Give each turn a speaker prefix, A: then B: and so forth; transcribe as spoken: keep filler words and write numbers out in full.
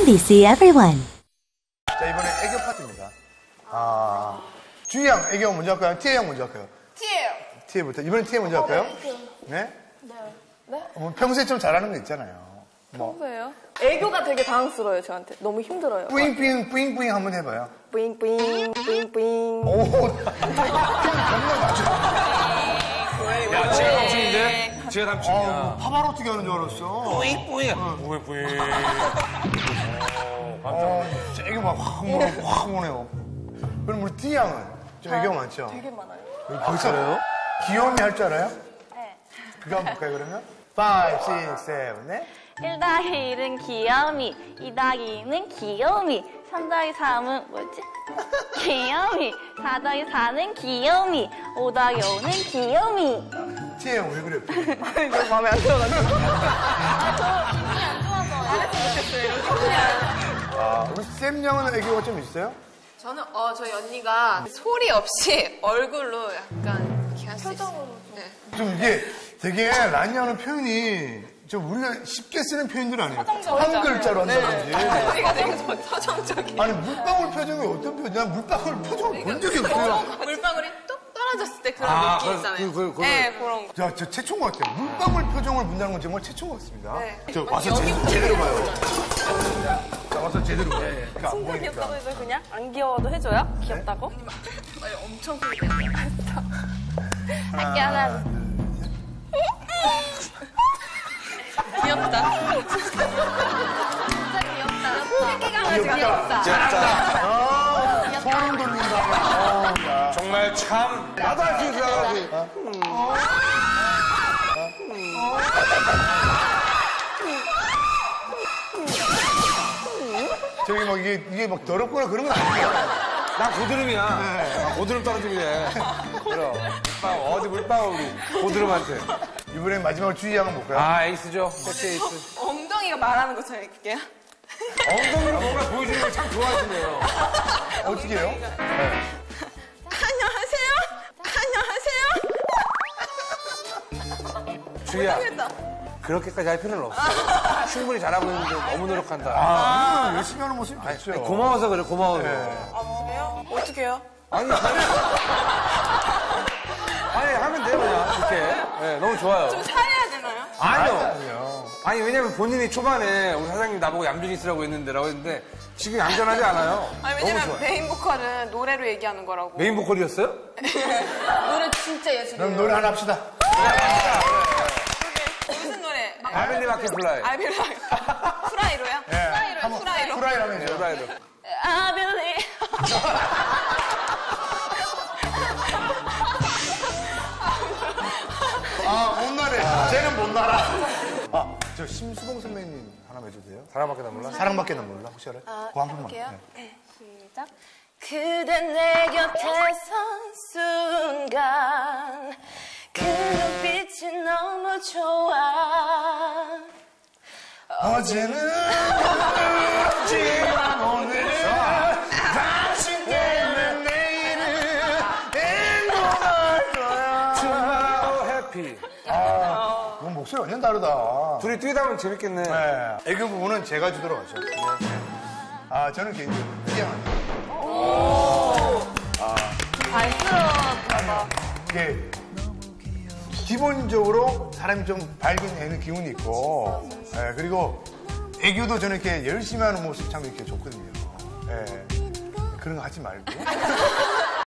A: 엠비씨 Everyone.
B: 자, 이번에 애교 파트입니다. 아, 주희 양 애교 먼저 할까요? 티에 양 먼저 할까요?
C: 티예요.
B: 티에부터. 이번엔 티에 먼저 할까요? 네?
C: 네. 네?
B: 뭐 평소에 좀 잘하는 거 있잖아요. 뭐.
C: 평소에요? 애교가 되게 당황스러워요, 저한테. 너무 힘들어요.
B: 뿌잉뿌잉, 뿌잉뿌잉 한번 해봐요.
C: 뿌잉뿌잉, 뿌잉뿌잉.
B: 오, 정말 맞죠?
D: 야, 지가 삼촌인데? 지가 삼촌이야.
B: 어, 파바로티가 하는 줄 알았어.
D: 뿌잉뿌잉. 뿌잉, 뿌잉.
B: 어, 세게 막 확, 오네, 확 오네요. 그럼 우리 티 양은 좀 애교 많죠?
C: 되게 많아요.
B: 벌써 귀여움이 할 줄 알아요?
C: 네.
B: 그거 한번 볼까요, 그러면? five, six, seven, 네?
E: 일 더하기 일은 귀요미, 이 더하기 이는 귀요미, 삼 더하기 삼은 뭐지? 귀요미, 사 더하기 사는 귀요미, 오 더하기 오는 귀요미.
B: 티에 형 왜 그래?
C: 이거 마음에 안 들어가지고.
B: 아, 우리 쌤 양은 애교가 좀 있어요?
F: 저는 어 저희 언니가 소리 없이 얼굴로 약간 이렇게 할 수 있어요. 네.
B: 좀 이게 되게 라니 하는 표현이 좀 우리가 쉽게 쓰는 표현들 아니에요? 한 글자로 한다든지.
F: 소리가 되게 좀 서정적이에요.
B: 아니, 물방울 표정이 어떤 표정? 난 물방울 표정을 본 적이 없어요.
F: 물방울이 뚝 떨어졌을 때 그런
D: 아,
F: 느낌
D: 그,
F: 있잖아요.
D: 그, 그,
F: 네, 그런 거.
B: 자, 저 최초인 것 같아요. 물방울 표정을 본다는 건 정말 최초인 것 같습니다.
F: 네.
B: 저 와서 제, 제대로 봐요. 자, 와서 제대로 봐요. 그러니까 안
C: 진짜
B: 보이니까.
C: 귀엽다고 해서 그냥 안 귀여워도 해줘요? 귀엽다고?
F: 아니, 엄청 소리가
E: 할게 하나.
F: 귀엽다.
B: 귀엽다.
D: 진짜.
B: 소름 돋는다. 어, 야.
D: 정말 참. 나도 할 수 있어, 나도 할 수 있어.
B: 저기 막 이게, 이게 막 더럽거나 그런 건 아니에요.
D: 난 고드름이야. 아, 고드름 떨어짐이래. 그럼. 물방울, 어디 물방울 우리. 고드름한테.
B: 이번엔 마지막으로 주희 양은 볼까요?
D: 아, 에이스죠. 세트 에이스.
F: 엉덩이가 말하는 것처럼 해볼게요.
D: 엉덩이로 뭔가 보여주는 걸 참 좋아하시네요.
B: 어떻게 해요? 네.
F: 안녕하세요. 안녕하세요.
D: 주희야. 그렇게까지 할 필요는 없어. 충분히 잘하고 있는데 너무 노력한다.
B: 아, 열심히 하는 모습이
D: 아니,
B: 좋죠.
D: 고마워서 그래, 고마워서.
F: 아, 그래요? 어떻게 해요?
D: 아니, 잘해. 아니, 하면 돼요, 그냥. 이렇게. 네, 너무 좋아요.
F: 좀 잘해야 되나요?
D: 아니요.
B: 아니요.
D: 아니, 왜냐면 본인이 초반에 우리 사장님 나보고 얌전히 있으라고 했는데라고 했는데 지금 얌전하지 않아요.
F: 아니,
D: 너무
F: 왜냐면
D: 좋아요.
F: 메인 보컬은 노래로 얘기하는 거라고.
D: 메인 보컬이었어요?
F: 노래 진짜 예술이에요.
B: 그럼 노래 하나 합시다.
F: 무슨 노래?
D: 아벨리 마켓플라이.
F: 아빌라. 프라이로요?
B: 예.
F: 프라이로, 프라이로.
B: 프라이라고 해줘.
D: 프라이로.
E: I believe.
B: 아, 못 나래. 쟤는 못 날아. 아, 저 심수봉 선배님 하나 해줘도 돼요?
D: 사람밖에 나 몰라?
B: 사랑밖에 난 몰라. 혹시 알아요?
F: 아,
B: 그거 한 번만.
F: 해볼게요.
B: 네.
C: 시작. 그대 내 곁에 선 순간 그 눈빛이 너무 좋아.
B: 어제는 그렇지만 오늘은 당신 때문에 내일은 행복할 거야.
D: 투마로 해피.
B: 아, 이건 목소리 완전 다르다.
D: 둘이 뛰다 보면 재밌겠네.
B: 네. 애교 부분은 제가 주도록 하죠. 네. 아, 저는 개인적으로 희양합니다.
C: 안쓰러워.
B: 이게 기본적으로 사람이 좀 밝은 애는 기운이 있고, 예, 그리고 애교도 저는 이렇게 열심히 하는 모습 참 이렇게 좋거든요. 예, 그런 거 하지 말고.